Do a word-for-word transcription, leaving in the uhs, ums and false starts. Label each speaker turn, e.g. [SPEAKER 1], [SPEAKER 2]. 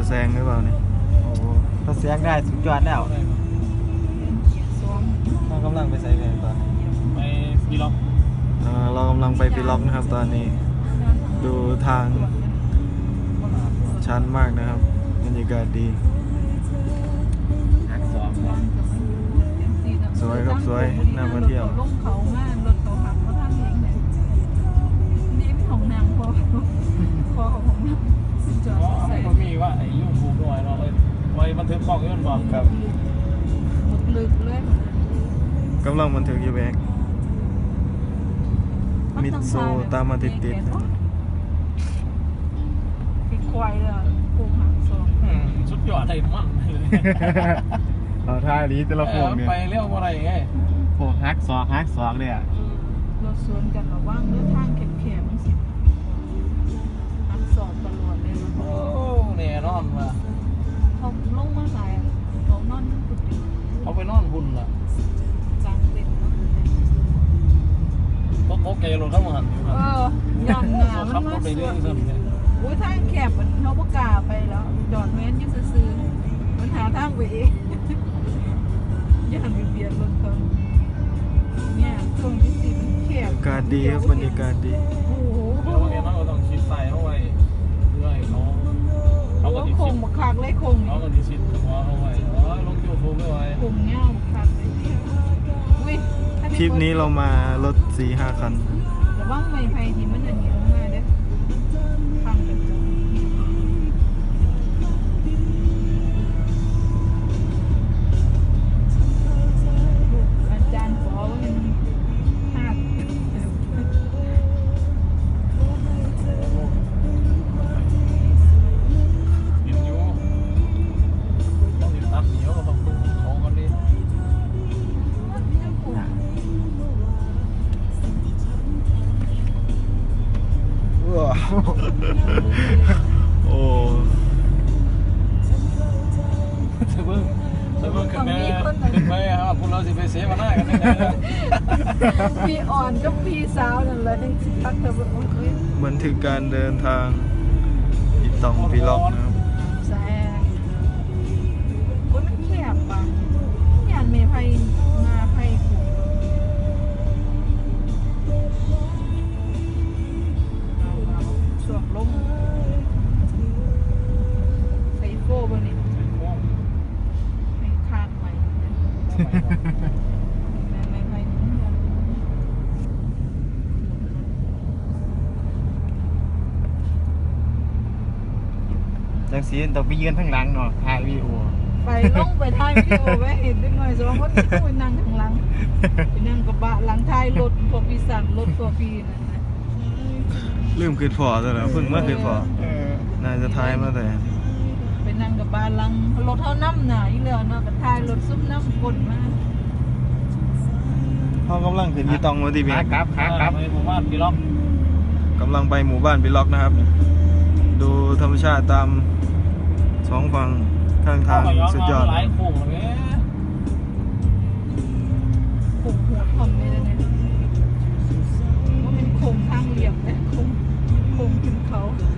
[SPEAKER 1] แซงหรือเปล่าเนี่ยโอ้ถ้าแซงได้สุดยอดแล้วเรากำลังไปใส่เพลงตอนนี้
[SPEAKER 2] ไปปีล็อก
[SPEAKER 1] เรากำลังไปปีล็อกนะครับตอนนี้ดูทางชันมากนะครับบรรยากาศดีสวยครับสวยน่ามาเที่ยว
[SPEAKER 3] ลงเขามากรถเขาหักเขาทำเองเลยนี่เป็นของนางพอพอของผมจอดใส่
[SPEAKER 2] ก็มีว่าไอ้ยุ่งผูกด้วยเราเลยไว้บันทึกกล้องยื่นบอก
[SPEAKER 1] ครับ
[SPEAKER 3] หมดลึกเลย
[SPEAKER 1] กำลังบันทึกอยู่แบกมิดโซตามมาติดติด
[SPEAKER 3] เป็นควายเลยผูกหักสอง
[SPEAKER 2] สุดยอดเลยมั่นเลย
[SPEAKER 1] เราท่านี้แต่ละพวกเนี่ย
[SPEAKER 2] ไปเรียกว่าอะไรไง
[SPEAKER 1] พวกฮักซอกฮักซอกเนี่ย
[SPEAKER 3] รถสวนกันระว่างเลือทางแคบๆมันสิฮักสอบตลอดเลยนะ
[SPEAKER 2] โอ้เนี่ยนอนมา
[SPEAKER 3] เขาลงมาสายเขานอนกุฏิ
[SPEAKER 2] เขาไปนอนหุ่นล่ะ
[SPEAKER 3] กลางเต็นท์
[SPEAKER 2] ก็โอเครถเข้ามาหันอยู่
[SPEAKER 3] ครับเออย่อนหนามันมาสวนโอ้ยทางแคบมันเขาประกาศไปแล้วจอดแว้นยังซื้อมันหาทางไปเองย่านเบียดรถเขาเนี่ยช่วงที่สี่มันแคบบ
[SPEAKER 1] รรยากาศดีครับบรรยากาศดี
[SPEAKER 3] โอ้โห
[SPEAKER 2] เดี๋ยววันนี้เราต้องชิดใส่เข้าไว้เพื่อให้เขา
[SPEAKER 3] เขาก็ติดคงบักคักเลยคง
[SPEAKER 2] เขาก็ติดชิดหัวเข้าไว้โอ้ยลงยูทูบไม่ไหว
[SPEAKER 3] คงเงี้ยบักคักเลยอุ้ย
[SPEAKER 1] ทริปนี้เรามารถสี่ห้าคัน
[SPEAKER 3] แต่ว่าไม่ไฟที่มันอันนี้ลงมาเด้อพังกันจังอาจารย์ขอว่ามันห้า
[SPEAKER 2] กินอยู่ต้องติดตับเหนียวกับตุ้งเขากันดิ
[SPEAKER 1] โอ้
[SPEAKER 2] เพิ่งเพิ่งขึ้นไปขึ้นไปครับพวกเราสิไปเสียมาหน้ากันได้เลย
[SPEAKER 3] พี่อ่อนกับพี่สาวนั่นแหละที่ตักเธอบอกว่า
[SPEAKER 1] บันทึกการเดินทางอีตองปีล็อกนะครับ
[SPEAKER 3] แซงคนมันแคบป่ะยานเมย์ไพ่มาไพ่ผูกสวมล้มใส่โก้บนนี้ไม่คาดใหม่ไม่ไม่ไม่
[SPEAKER 1] จังสีต้องไปยืนทั้งหลังเนาะถ่ายวีดีโอ
[SPEAKER 3] ไปลงไปถ่ายวิดีโอไว้เห็นได้หน่อยสองคนที่คุยนั่งข้างหลังไปนั่งกระบะหลังท้ายรถพวกพี่สั่งรถพวกพี่นั่นนะ
[SPEAKER 1] ลืมขึ้นพอแต่ละเพิ่งเมื่อขึ้นพอน่าจะท้ายมาแต่
[SPEAKER 3] ไปนั่งกระบะหลังรถเท่าน้ำหนาอีเหลือเนาะกับท้ายรถซุปน้ำกลมาก
[SPEAKER 1] เขากำลังขึ้นอีตองมาที่เบียร์
[SPEAKER 2] ครับครับครับไปหมู่บ้านปีล็อก
[SPEAKER 1] กำลังไปหมู่บ้านปีล็อกนะครับดูธรรมชาติตามสองฝั่งข้างทางสุดยอด
[SPEAKER 2] หลายโค้งเลย
[SPEAKER 3] โค้งหัวคอมเลยเนี่ยว่าเป็นโค้งทางเหลี่ยมนะโค้งโค้งขึ้นเขา